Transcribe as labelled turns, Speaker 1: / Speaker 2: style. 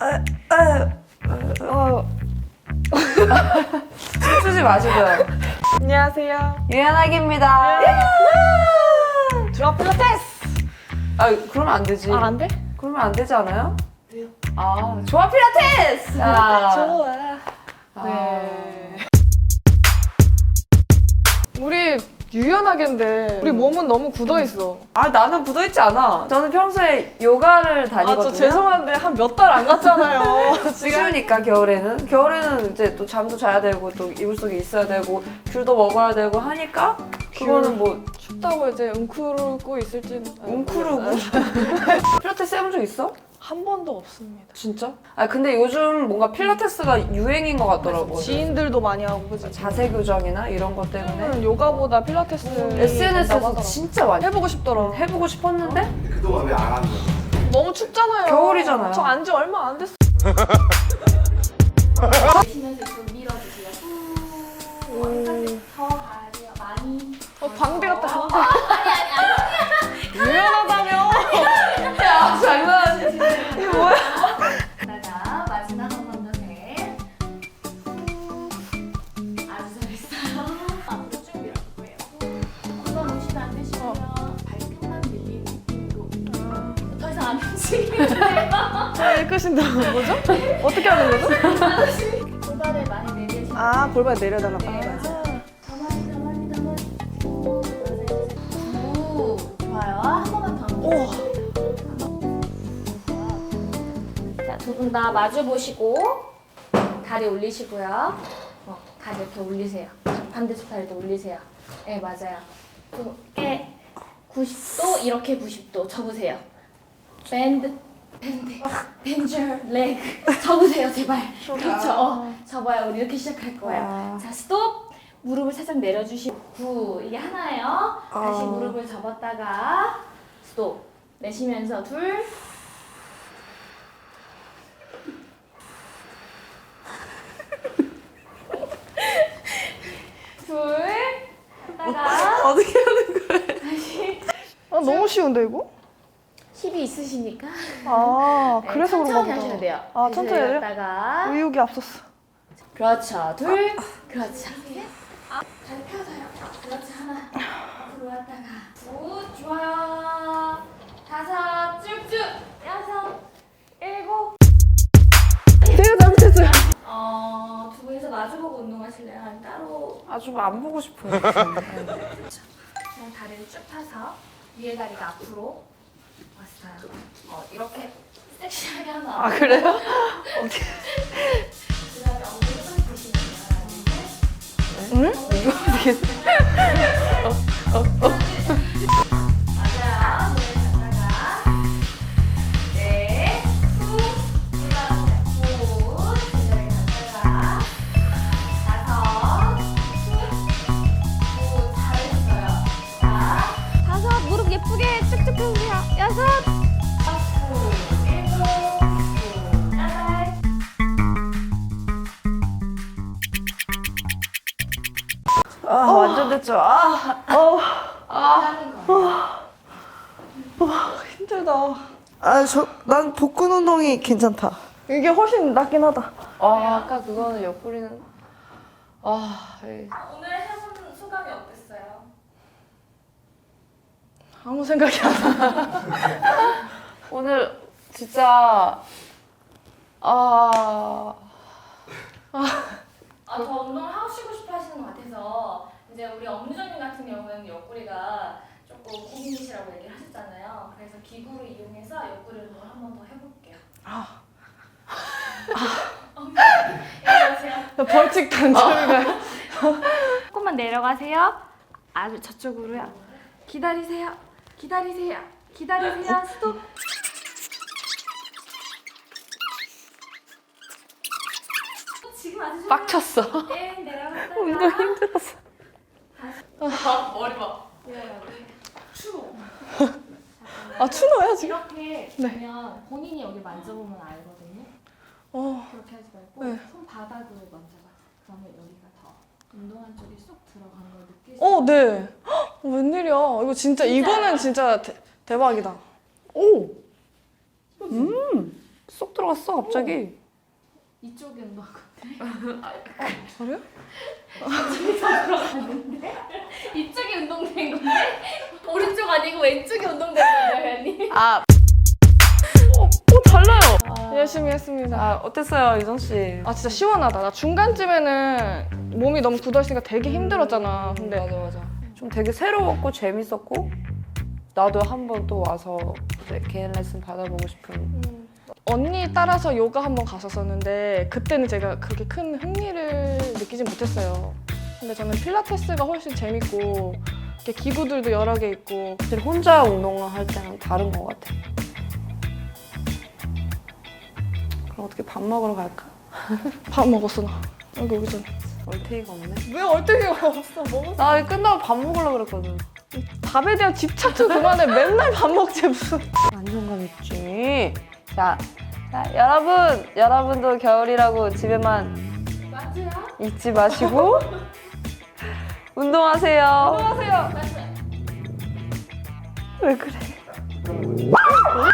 Speaker 1: 춤추지 마시고요.
Speaker 2: 안녕하세요.
Speaker 1: 유연하기입니다.
Speaker 2: 조합 필라테스.
Speaker 1: 아, 그러면 안 되지.
Speaker 2: 안 돼?
Speaker 1: 그러면 안 되지 않아요?
Speaker 2: 왜요?
Speaker 1: 아, 좋아 필라테스! 자,
Speaker 2: 좋아.
Speaker 1: 아,
Speaker 2: 네. 우리 유연하게인데 우리 몸은 너무 굳어 있어.
Speaker 1: 아, 나는 굳어있지 않아. 저는 평소에 요가를 다니거든요.
Speaker 2: 저 죄송한데 한 몇 달 안 갔잖아요.
Speaker 1: 추우니까 겨울에는. 겨울에는 이제 또 잠도 자야 되고 또 이불 속에 있어야 되고 귤도 먹어야 되고 하니까 그거는 뭐
Speaker 2: 춥다고 이제 웅크르고 있을지는.
Speaker 1: 웅크르고. 필라테스 해본 적 있어?
Speaker 2: 한 번도 없습니다.
Speaker 1: 진짜? 아 근데 요즘 뭔가 필라테스가 유행인 것 같더라고.
Speaker 2: 지인들도 많이 하고 그지?
Speaker 1: 자세 교정이나 이런 것 때문에
Speaker 2: 요가보다 필라테스
Speaker 1: SNS에서 진짜 많이
Speaker 2: 해보고 싶더라.
Speaker 1: 해보고 싶었는데
Speaker 3: 그동안 왜 안 하는 거야?
Speaker 2: 너무 춥잖아요.
Speaker 1: 겨울이잖아요.
Speaker 2: 저 안지 얼마 안 됐어.
Speaker 4: 내쉬면서 좀 밀어주세요. 후. 더 가야 돼요. 많이.
Speaker 2: 방대 같다. 방대.
Speaker 4: 아니.
Speaker 2: 유연하다며.
Speaker 1: 야 장난하지? 이게 뭐야?
Speaker 4: 나가 마지막 한 번 더 해. 아주 잘했어요. 앞으로 쭉 밀어볼 거예요. 이건 오시면 안 되시고요. 발끝만 밀리는 느낌으로. 더 이상 안 움직이는데요.
Speaker 2: 끝인다. 뭐죠? 어떻게 하는 거죠?
Speaker 4: 골반을 많이 내리시면
Speaker 2: 아, 골반 내려달라고.
Speaker 4: 네, 맞아요. 가만히. 오, 좋아요. 한 번만 더.
Speaker 2: 오.
Speaker 4: 자, 두 분 다 마주 보시고 다리 올리시고요. 다리 이렇게 올리세요. 반대쪽 다리도 올리세요. 네, 맞아요. 이렇게 90도, 이렇게 90도 접으세요. 밴드, 레그. 접으세요, 제발. 그렇죠. 접어요. 우리 이렇게 시작할 거예요. 자, 스톱. 무릎을 살짝 내려주시고 이게 하나예요. 다시 무릎을 접었다가 스톱. 내쉬면서 둘. 둘. 하다가
Speaker 1: 어떻게 하는 거야?
Speaker 4: 다시.
Speaker 2: 너무 쉬운데 이거?
Speaker 4: 힘이 있으시니까.
Speaker 2: 아,
Speaker 4: 네,
Speaker 2: 그래서 그런가
Speaker 4: 천천히
Speaker 2: 보다.
Speaker 4: 하셔야 돼요.
Speaker 2: 아, 천천히 해야 돼요?
Speaker 4: 다가
Speaker 2: 의욕이 앞섰어.
Speaker 4: 그렇죠. 둘. 그렇죠. 셋. 다리 펴서요. 그렇죠. 하나. 앞으로 왔다가. 굿. 좋아요. 다섯. 쭉쭉. 여섯. 일곱.
Speaker 2: 제가 잘못했어요.
Speaker 4: 두 분이서 마주보고 운동하실래요? 아니면 따로?
Speaker 1: 아주 안 보고 싶어요.
Speaker 4: 그냥 다리를 쭉 펴서 위에 다리가 앞으로 왔어요. 이렇게 섹시하게 하면
Speaker 2: 아, 그래요?
Speaker 4: 그다음에 엉덩이 좀 드시면
Speaker 2: 응? 이거 어떻게.
Speaker 4: 맞아요. 손을 잡다가 네, 후 올라가세요. 후 제자리 갔다가 다섯, 후 잘했어요. 자, 다섯 무릎 예쁘게 쭉쭉 펴주세요. 여섯, 후 일곱, 후 여덟.
Speaker 1: 아 완전 됐죠.
Speaker 4: 하는 거.
Speaker 2: 힘들다.
Speaker 1: 난 복근 운동이 괜찮다.
Speaker 2: 이게 훨씬 낫긴 하다.
Speaker 1: 아까 그거는 옆구리는 에이.
Speaker 4: 오늘 해본 소감이 어땠어요?
Speaker 2: 아무 생각이 안 나.
Speaker 1: 오늘 진짜
Speaker 4: 더 운동을 하시고 싶어 하시는 것 같아서 이제 우리 엄유정님 같은 경우에는 옆구리가 조금 고민이시라고 얘기를 하셨잖아요. 그래서 기구를 이용해서 옆구리 운동을 한 번 더 해볼게요. 내려가세요.
Speaker 2: 벌칙 단점인가요?
Speaker 4: 조금만 내려가세요. 아주 저쪽으로요. 기다리세요. 스톱. 지금 아주
Speaker 1: 빡쳤어.
Speaker 4: 네, 내려갔다가
Speaker 1: 운동 힘들었어.
Speaker 4: 머리 봐. 내려가고. 추워.
Speaker 2: 아, 추노야, 지금?
Speaker 4: 이렇게
Speaker 2: 네.
Speaker 4: 보면 본인이 여기 만져보면 알거든요.
Speaker 2: 어.
Speaker 4: 그렇게 하지 말고
Speaker 2: 네.
Speaker 4: 손바닥으로 만져봐. 그러면 여기가 더 운동한 쪽이 쏙 들어간 걸 느낄 수 있어요.
Speaker 2: 네. 헉, 웬일이야. 이거 진짜, 이거는 진짜 대박이다. 오!
Speaker 1: 쏙 들어갔어 갑자기.
Speaker 4: 이쪽이 운동한 건데.
Speaker 2: 그래요?
Speaker 4: 이쪽이 운동된 건데 오른쪽 아니고 왼쪽이 운동된 건데 언니.
Speaker 2: 달라요. 열심히 했습니다.
Speaker 1: 아 어땠어요 이정 씨?
Speaker 2: 아 진짜 시원하다. 나 중간쯤에는 몸이 너무 굳어있으니까 되게 힘들었잖아. 근데
Speaker 1: 맞아. 좀 되게 새로웠고 재밌었고 나도 한번 또 와서 이제 개인 레슨 받아보고 싶은.
Speaker 2: 언니 따라서 요가 한번 갔었었는데 그때는 제가 그렇게 큰 흥미를 느끼진 못했어요. 근데 저는 필라테스가 훨씬 재밌고 이렇게 기구들도 여러 개 있고.
Speaker 1: 사실 혼자 운동을 할 때는 다른 것 같아. 그럼 어떻게 밥 먹으러 갈까?
Speaker 2: 밥 먹었어 나. 여기 오기 전에.
Speaker 1: 얼테이가 없네.
Speaker 2: 왜 얼뜨기가 없어? 먹었어.
Speaker 1: 나 이거 끝나고 밥 먹으려고 그랬거든.
Speaker 2: 밥에 대한 집착 좀 그만해. 맨날 밥 먹지 무슨.
Speaker 1: 안정감 있지. 자, 여러분도 겨울이라고 집에만
Speaker 4: 맞아요?
Speaker 1: 있지 마시고 운동하세요.
Speaker 2: 안녕하세요.
Speaker 4: 맞아요.
Speaker 1: 왜 그래?